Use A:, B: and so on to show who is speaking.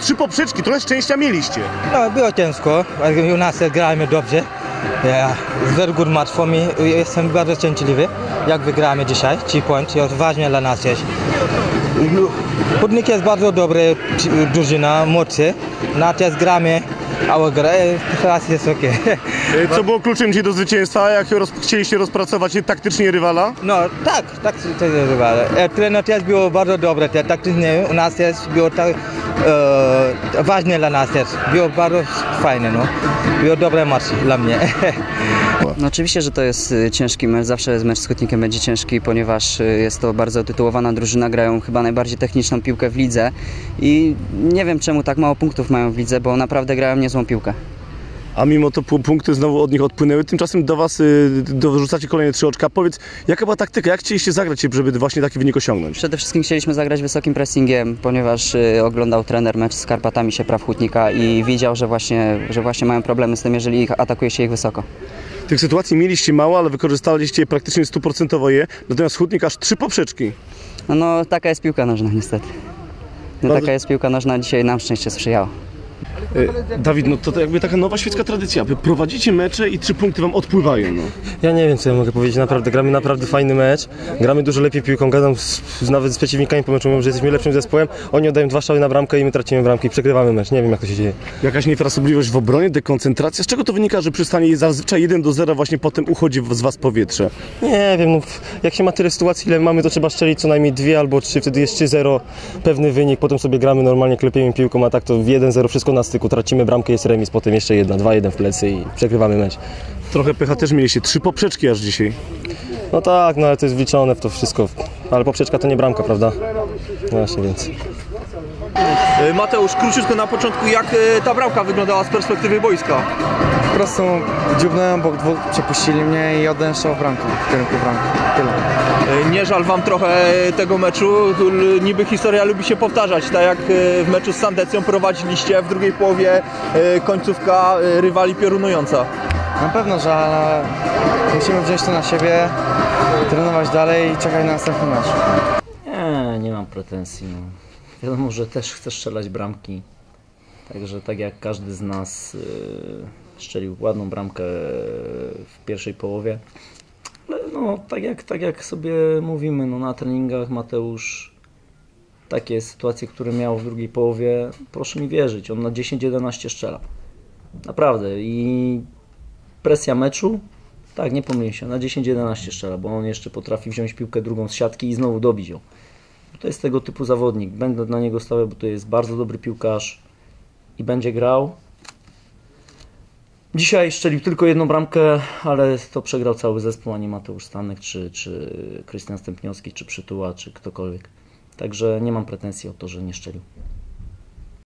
A: 3 poprzeczki, trochę szczęścia mieliście.
B: No, było ciężko, ale u nas gramy dobrze. Very good match for me. Jestem bardzo szczęśliwy, jak wygramy dzisiaj. 3 punkty, to ważne dla nas jest. Hutnik jest bardzo dobry drużyna, mocny. Na też gramy, a teraz jest ok.
A: Co było kluczem dzisiaj do zwycięstwa? Jak chcieliście rozpracować taktycznie rywala?
B: No tak rywal. Trener też był bardzo dobry, taktycznie u nas też było tak ważne dla nas też. Było bardzo fajne, no. Było dobry mecz dla mnie.
C: No oczywiście, że to jest ciężki mecz, zawsze mecz z Hutnikiem będzie ciężki, ponieważ jest to bardzo tytułowana drużyna, grają chyba najbardziej techniczną piłkę w lidze i nie wiem czemu tak mało punktów mają w lidze, bo naprawdę grają niezłą piłkę.
A: A mimo to punkty znowu od nich odpłynęły, tymczasem do Was dorzucacie kolejne 3 oczka. Powiedz, jaka była taktyka, jak chcieliście zagrać, żeby właśnie taki wynik osiągnąć?
C: Przede wszystkim chcieliśmy zagrać wysokim pressingiem, ponieważ oglądał trener mecz z Karpatami Siepraw Hutnika i widział, że właśnie mają problemy z tym, jeżeli atakuje się ich wysoko.
A: Tych sytuacji mieliście mało, ale wykorzystaliście je praktycznie 100% je, natomiast Hutnik aż 3 poprzeczki.
C: No taka jest piłka nożna niestety. Taka jest piłka nożna, dzisiaj nam szczęście sprzyjało.
A: Dawid, no to jakby taka nowa świecka tradycja. Wy prowadzicie mecze i 3 punkty Wam odpływają. No.
D: Ja nie wiem, co ja mogę powiedzieć. Naprawdę gramy naprawdę fajny mecz. Gramy dużo lepiej piłką. Gadam nawet z przeciwnikami po meczu, mówią, że jesteśmy lepszym zespołem. Oni oddają 2 strzały na bramkę i my tracimy bramkę i przegrywamy mecz. Nie wiem, jak to się dzieje. Jakaś
A: niefrasobliwość w obronie, dekoncentracja. Z czego to wynika, że przy stanie zazwyczaj 1-0 właśnie potem uchodzi z Was powietrze?
D: Nie wiem, no, jak się ma tyle sytuacji, ile mamy, to trzeba strzelić co najmniej 2 albo 3, wtedy jest 3-0, pewny wynik, potem sobie gramy normalnie, klepiemy piłką, a tak to 1-0 wszystko na styku. Tracimy bramkę, jest remis, potem jeszcze 2-1 w plecy i przegrywamy mecz.
A: Trochę pecha też mieliście, 3 poprzeczki aż dzisiaj.
D: No tak, no ale to jest wliczone w to wszystko. Ale poprzeczka to nie bramka, prawda? Właśnie, więc...
E: Mateusz, króciutko na początku, jak ta bramka wyglądała z perspektywy boiska?
F: Po prostu dziubnąłem, bo 2 przepuścili mnie i oddałem strzał w bramkę, w kierunku bramki. Tyle.
E: Nie żal Wam trochę tego meczu? Niby historia lubi się powtarzać, tak jak w meczu z Sandecją prowadziliście, w drugiej połowie końcówka rywali piorunująca.
F: Na pewno żal, ale musimy wziąć to na siebie, trenować dalej i czekać na następny mecz.
G: Nie mam pretensji. No. Wiadomo, że też chcę strzelać bramki. Także tak jak każdy z nas strzelił ładną bramkę w pierwszej połowie. Ale no, tak jak sobie mówimy, no, na treningach Mateusz takie sytuacje, które miał w drugiej połowie, proszę mi wierzyć, on na 10-11 strzela. Naprawdę. I presja meczu, tak, nie pomyliłem się, na 10-11 strzela, bo on jeszcze potrafi wziąć piłkę drugą z siatki i znowu dobić ją. To jest tego typu zawodnik. Będę na niego stawiał, bo to jest bardzo dobry piłkarz i będzie grał. Dzisiaj strzelił tylko 1 bramkę, ale to przegrał cały zespół, a nie Mateusz Stanek, czy Krystian Stępniowski, czy Przytuła, czy ktokolwiek. Także nie mam pretensji o to, że nie strzelił.